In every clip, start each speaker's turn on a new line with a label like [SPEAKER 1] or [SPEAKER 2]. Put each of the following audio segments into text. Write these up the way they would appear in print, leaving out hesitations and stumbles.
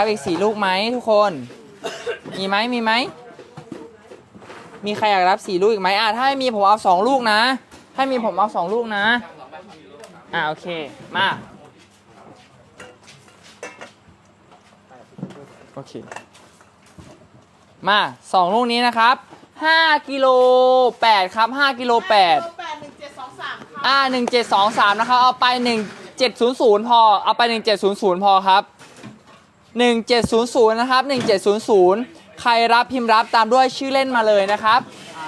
[SPEAKER 1] รับอีก4 ลูกไหมทุกคน มีไหมมีใครอยากรับ4 ลูกอีกไหมถ้าไม่มีผมเอา2 ลูกนะถ้ามีผมเอา2 ลูกนะโอเคมาโอเคมา2 ลูกนี้นะครับ5กิโล8ครับ5กิโล8 1723นะครับเอาไป1700พอเอาไป1700พอครับ1700นะครับ1700ใครรับพิมพ์รับตามด้วยชื่อเล่นมาเลยนะครับ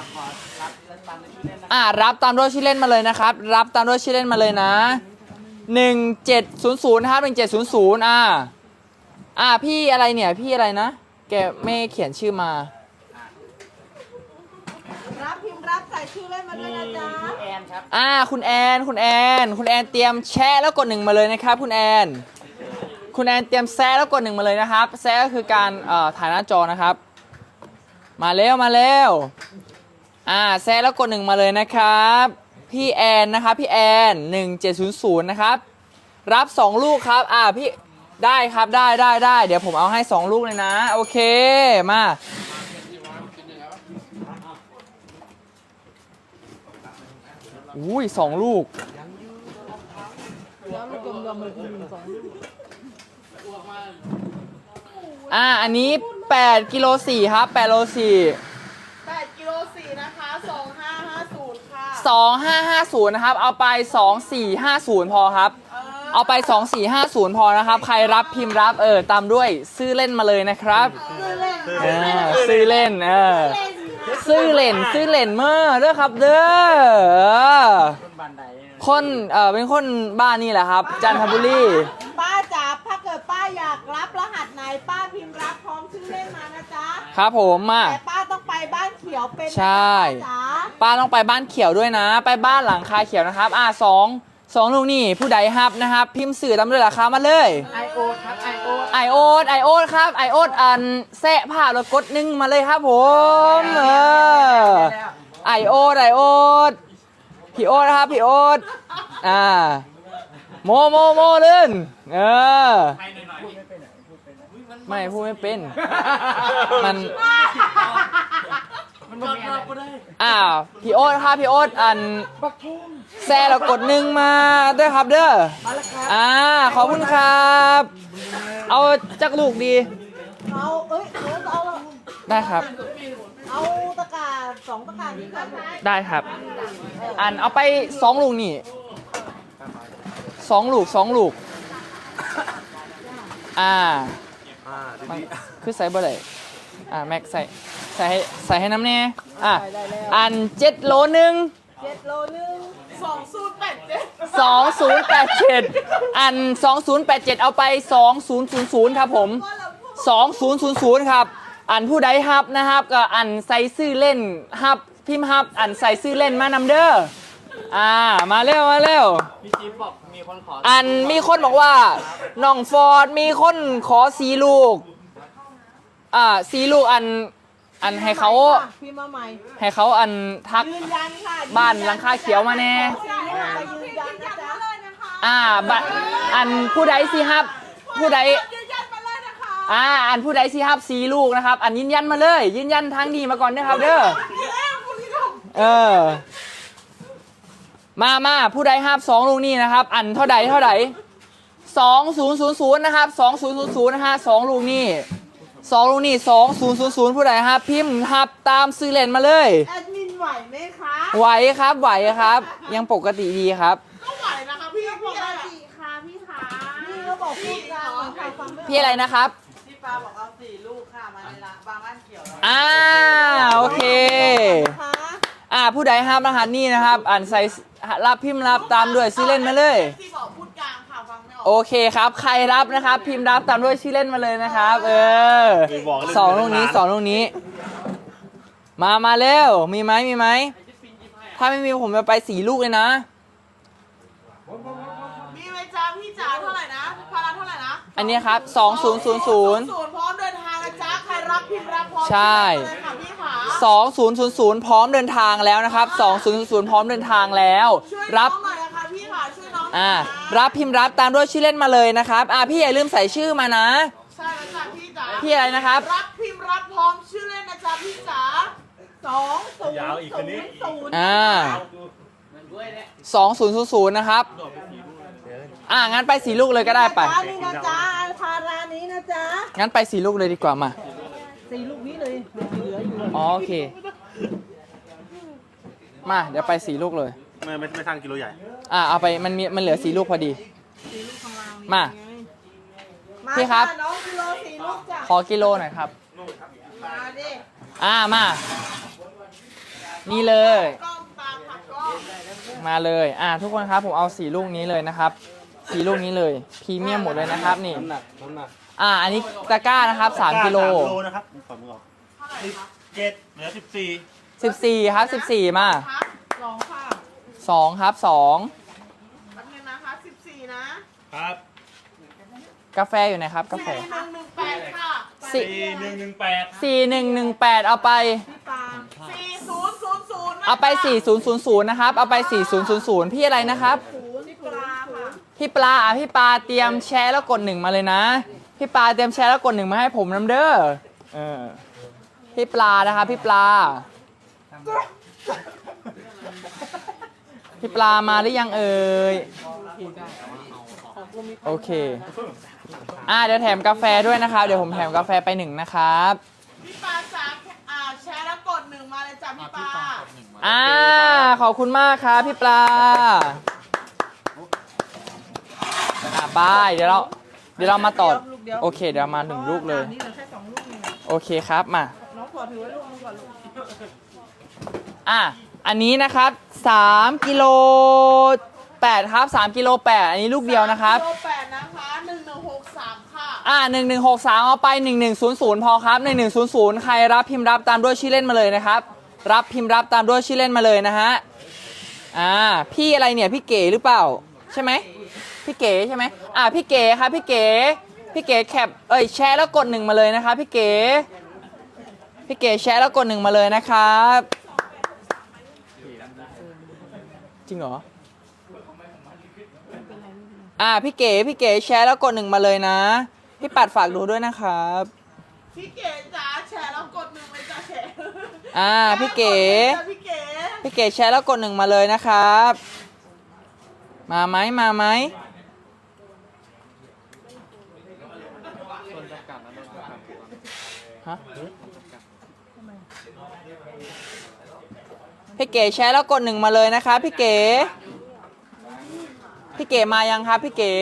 [SPEAKER 1] รับตามด้วยชื่อเล่นมาเลยนะครับรับตามด้วยชื่อเล่นมาเลยนะ1700นะครับ1700พี่อะไรเนี่ยพี่อะไรนะแกไม่เขียนชื่อมา
[SPEAKER 2] รับพิมพ์รับใส่ชื่อเล่นมาด้วยนะจ๊ะ
[SPEAKER 1] คุณแอนครับคุณแอนเตรียมแชะแล้วกด1มาเลยนะครับคุณแอนเตรียมแซะแล้วกด1มาเลยนะครับแซะก็คือการถ่ายหน้าจอนะครับมาเร็วแซะแล้วกด1มาเลยนะครับพี่แอนนะครับพี่แอน1700นะครับรับ2 ลูกครับพี่ได้ครับได้เดี๋ยวผมเอาให้2 ลูกเลยนะโอเคมาอุ้ย2 ลูกอันนี้8กิโล4ครับ8โล4
[SPEAKER 2] 8กิโล4นะคะ2550ค่ะ
[SPEAKER 1] 2550นะครับเอาไป2450พอครับเอาไป2450พอนะครับใครรับพิมพ์รับตามด้วยซื้อเล่นมาเลยนะครับซื้อเล่นซื้อเล่นเมื่อเด้อครับเด้อคนเป็นคนบ้านนี่แหละครับจันทบุรี
[SPEAKER 2] ป้าจ๋าถ้าเกิดป้าอยากรับรหัสไหนป้าพิมพ์รับพร้อมชื่อเล่นมานะจ๊ะ
[SPEAKER 1] ครับผม
[SPEAKER 2] แต่ป้าต้องไปบ้านเขียวเป็น
[SPEAKER 1] ใช่ป้าต้องไปบ้านเขียวด้วยนะไปบ้านหลังคาเขียวนะครับ2 ลูกนี่ผู้ใดฮับนะครับพิมพ์สื่อตามด้วยราคามาเลยไอโอ๊ตครับไอโอ๊ตครับไอโอ๊ตแซะผ้าแล้วกด1มาเลยครับผมไอโอ๊ตพี่โอ๊ตครับพี่โอ๊ตโมเล่นไม่พูดไม่เป็นมันพี่โอ๊ตครับพี่โอ๊ตแซ่เรากด1มาด้วยครับเด้อขอบคุณครับเอาจักลูกดี
[SPEAKER 2] เอา
[SPEAKER 1] ได้ครับ
[SPEAKER 2] เอาตะกร้า2 ตะกร้านี้ครับ
[SPEAKER 1] ได้ครับเอาไป2 ลูกนี่2 ลูกคือใส่บ่ได้แม็กใส่ให้น้ำแน่7 โล 1 2087 2087เอาไป2000ครับผม2000ครับผู้ใดฮับนะครับก็ใส่ชื่อเล่นฮับพิมพ์ฮับใส่ชื่อเล่นมานำเด้อมาเร็ว
[SPEAKER 3] พี่จิ๊บบอกมีคนขอ
[SPEAKER 1] มีคนบอกว่าน้องฟอร์ดมีคนขอ4 ลูก4 ลูกให้เขา
[SPEAKER 2] พิมพ์มาใหม่
[SPEAKER 1] ให้เขาทักบ้านหลังคาเขียวมาแน่ผู้ใดสิฮับผู้ใดผู้ใดสิฮับ4 ลูกนะครับยืนยันมาเลยยืนยันทางดีมาก่อนนะครับเด้อมาผู้ใดฮับ2 ลูกนี่นะครับเท่าใด2000นะครับ2000นะฮะ2 ลูกนี่2000ผู้ใดฮับพิมพ์ฮับตามซื้อเล่นมาเลย
[SPEAKER 2] แอดมินไหวไหมคะ
[SPEAKER 1] ไหวครับยังปกติดีครับ
[SPEAKER 2] ก็ไหวนะคะพี่ปกติค่ะพี่ขาพี่ก็บอกพูดกัน
[SPEAKER 1] พี่อะไรนะครับ
[SPEAKER 2] พี่ปาบอกเอา4 ลูกค่ะมาในร้านบ้านเขียว
[SPEAKER 1] โอเคผู้ใดฮับรหัสนี่นะครับใส่รับพิมพ์รับตามด้วยชื่อเล่นมาเลย
[SPEAKER 2] ที่บอกพูดกลางค่ะฟังไม่ออก
[SPEAKER 1] โอเคครับใครรับนะครับพิมพ์รับตามด้วยชื่อเล่นมาเลยนะครับ2 ลูกนี้มาเร็วมีไหมถ้าไม่มีผมจะไป4 ลูกเลยนะ
[SPEAKER 2] มีไหมจ๊ะพี่จ๋าเท่าไหร่นะพาราเท่าไหร่นะ
[SPEAKER 1] อันนี้ครับ2000
[SPEAKER 2] พร้อมเดินทางนะจ๊ะใครรับพิมพ์รับพร้อม
[SPEAKER 1] ใช่2000พร้อมเดินทางแล้วนะครับ2000พร้อมเดินทางแล้วรับรับพิมพ์รับตามด้วยชื่อเล่นมาเลยนะครับพี่อย่าลืมใส่ชื่อมานะ
[SPEAKER 2] ใช่แล้วจ้ะ
[SPEAKER 1] พี่อะไรนะครับ
[SPEAKER 2] รับพิมพ์รับพร้อมชื่อเล่นนะจ๊ะพี่จ๋า2000
[SPEAKER 1] อ่า2000นะครับ งั้นไป4ลูกเลยก็ได้ไป
[SPEAKER 2] จ้านี่นะจ๊ะอันคารานี้นะจ๊ะ
[SPEAKER 1] งั้นไป4ลูกเลยดีกว่ามา
[SPEAKER 2] 4 ลูกนี้เลยเหลืออยู่
[SPEAKER 1] อ๋อโอเค มาเดี๋ยวไป4ลูกเลย
[SPEAKER 4] ไม่สั่งกิโลใหญ่
[SPEAKER 1] เอาไปมันเหลือ4ลูกพอดี
[SPEAKER 2] 4 ลูกข้างล่าง
[SPEAKER 1] มา
[SPEAKER 2] มา
[SPEAKER 1] พี่ครับ
[SPEAKER 2] จ้ะน้องกิโล4 ลูกจ้ะ
[SPEAKER 1] ขอกิโลหน่อยครับ
[SPEAKER 2] มาดิ
[SPEAKER 1] มา นี่เลย
[SPEAKER 2] กล้องตามผักกล้อง
[SPEAKER 1] มาเลย ทุกคนครับผมเอา4ลูกนี้เลยนะครับ4ลูกนี้เลยพรีเมียมหมดเลยนะครับนี่
[SPEAKER 4] น้ำหนัก
[SPEAKER 1] อันนี้ตะกร้านะครับ3กิโล
[SPEAKER 4] 3 กิโลนะครับขอมือออก17เหลือ14
[SPEAKER 1] 14ครับ14มา
[SPEAKER 2] ครับ2ค่ะ
[SPEAKER 1] 2ครับ2
[SPEAKER 2] แป๊บนึงนะคะ14 นะครับ
[SPEAKER 1] กาแฟอยู่ไหนครับกาแฟ
[SPEAKER 2] 4118ค่ะ
[SPEAKER 4] 4118
[SPEAKER 1] 4118เอาไป
[SPEAKER 2] พี่ปา4000นะ
[SPEAKER 1] เอาไป4000นะครับเอาไป4000พี่อะไรนะครับ
[SPEAKER 2] นี่ปลาค่ะ
[SPEAKER 1] พี่ปลาพี่ปลาเตรียมแชร์แล้วกด1มาเลยนะพี่ปลาเตรียมแชร์แล้วกด1มาให้ผมน้ำเด้อพี่ปลานะครับพี่ปลาพี่ปลามาหรือยังเอ่ยโอเคเดี๋ยวแถมกาแฟด้วยนะครับเดี๋ยวผมแถมกาแฟไป1นะครับ
[SPEAKER 2] พี่ปาจ๋าแชร์แล้วกด1มาเลยจ้ะพี่ปา
[SPEAKER 1] ขอบคุณมากครับพี่ปลาบายเดี๋ยวเรามาต่อโอเคเดี๋ยวมา1ลูกเลย
[SPEAKER 2] นี่เหลือแค่2 ลูกนี่
[SPEAKER 1] โอเคครับมา
[SPEAKER 2] น้องขอถือไว้ลูกนึงก่อนลูก
[SPEAKER 1] อันนี้นะครับ3กิโล8ครับ3กิโล8อันนี้ลูกเดียวนะครับ
[SPEAKER 2] กิโล8นะคะ1163ค่ะ
[SPEAKER 1] 1163เอาไป1100พอครับ1100ใครรับพิมพ์รับตามด้วยชื่อเล่นมาเลยนะครับรับพิมพ์รับตามด้วยชื่อเล่นมาเลยนะฮะพี่อะไรเนี่ยพี่เก๋หรือเปล่าใช่ไหมพี่เก๋ใช่ไหมพี่เก๋ครับพี่เก๋แคปแชร์แล้วกด1มาเลยนะครับพี่เก๋แชร์แล้วกด1มาเลยนะครับจริงเหรอพี่เก๋แชร์แล้วกด1มาเลยนะพี่ปัดฝากดูด้วยนะครับ
[SPEAKER 2] พี่เก๋จ๋าแชร์แล้วกด1เลยจ้ะแชร์
[SPEAKER 1] พี่เก๋
[SPEAKER 2] พี่เก๋
[SPEAKER 1] พี่เก๋แชร์แล้วกด1มาเลยนะครับมาไหมฮะพี่เก๋แชร์แล้วกด1มาเลยนะครับพี่เก๋มายังครับพี่เก๋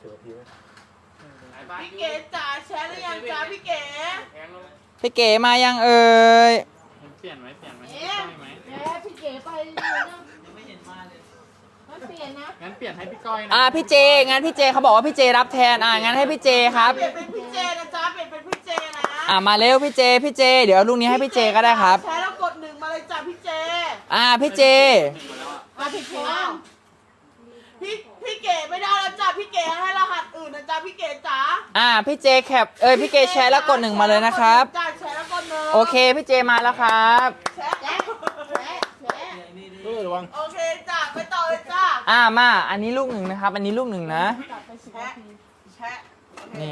[SPEAKER 2] พี่เก๋จ๋าแชร์หรือยังจ้าพี่เก๋
[SPEAKER 1] พี่เก๋มายังเอ่ย
[SPEAKER 3] เปลี่ยนไหม
[SPEAKER 2] พี่เก๋ไปไม่เห็นมาเลยมันเปลี่ยนนะ
[SPEAKER 3] งั้นเปลี่ยนให้พี่ก้อยนะ
[SPEAKER 1] พี่เจงั้นพี่เจเขาบอกว่าพี่เจรับแทนงั้นให้พี่เจครับ
[SPEAKER 2] เปลี่ยนเป็นพี่เจนะจ๊ะเปลี่ยนเป็นพี่เจนะ
[SPEAKER 1] มาเร็วพี่เจเดี๋ยวลูกนี้ให้พี่เจก็ได้ครับ
[SPEAKER 2] แชร์แล้วกด1มาเลยจ้ะพี่เจ
[SPEAKER 1] พี่เจ
[SPEAKER 2] พี่เก๋พี่เก๋ไม่ได้แล้วจ้ะพี่เก๋ให้รหัสอื่นนะจ๊ะพี่เก๋จ๋า
[SPEAKER 1] พี่เจแคปพี่เจแชร์แล้วกด1มาเลยนะครับ
[SPEAKER 2] จ้าแชร์แล้วกด1
[SPEAKER 1] โอเคพี่เจมาแล้วครับ
[SPEAKER 2] แชร์
[SPEAKER 4] ระวัง
[SPEAKER 2] โอเคจ้าไปต่อเลยจ้า
[SPEAKER 1] มาอันนี้ลูก1นะครับอันนี้ลูก1นะ
[SPEAKER 2] แชะ
[SPEAKER 1] นี่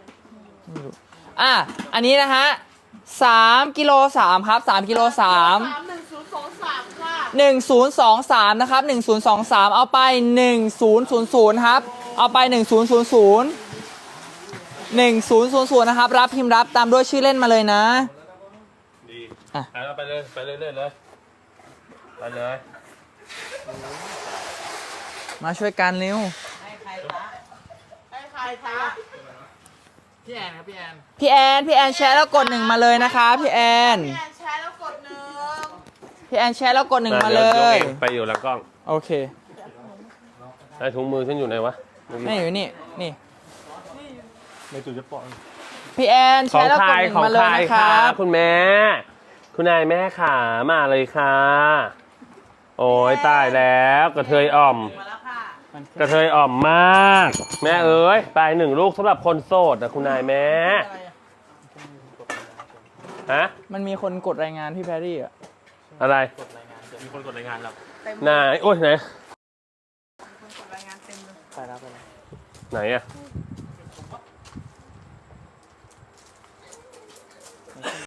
[SPEAKER 1] อันนี้นะฮะ3กิโล3ครับ3กิโล3
[SPEAKER 2] 1023ค่ะ
[SPEAKER 1] 1023นะครับ1023เอาไป1000ครับเอาไป1000นะครับรับพิมพ์รับตามด้วยชื่อเล่นมาเลยนะ
[SPEAKER 4] ดี
[SPEAKER 1] อ่ะ
[SPEAKER 4] ไปเลยไปเลย
[SPEAKER 1] มาช่วยกันเร็ว
[SPEAKER 2] ให้ใครคะ
[SPEAKER 3] พี่แอนครับพี่แอน
[SPEAKER 1] พี่แอนแชร์แล้วกด1มาเลยนะคะพี่แอน
[SPEAKER 2] พี่แอนแชร์แล้วกด1
[SPEAKER 1] พี่แอนแชร์แล้วกด1มาเลย
[SPEAKER 4] ไปอยู่หลังกล้อง
[SPEAKER 1] โอเค
[SPEAKER 4] ไอ้ถุงมือฉันอยู่ไหนวะ
[SPEAKER 1] นี่อยู่นี่
[SPEAKER 4] ในจุดจะปอน
[SPEAKER 1] พี่แอนแชร์แล้วกด1มาเลยนะครับ
[SPEAKER 4] คุณแม่คุณนายแม่ขามาเลยค่ะ โอ้ยตายแล้วกระเทยอ่อม
[SPEAKER 2] มาแล้วค่ะ
[SPEAKER 4] กระเทยอ่อมมาก แม่เอ้ยไป1 ลูกสำหรับคนโสดนะคุณนายแม่ฮะ
[SPEAKER 1] มันมีคนกดรายงานพี่แพรรี่อะ
[SPEAKER 4] อะไรมีคนกดรายงานเราไหนโอ้ยไหน
[SPEAKER 2] กดรายงานเต็มเลย
[SPEAKER 1] ไปแล้ว
[SPEAKER 4] ไหนอะ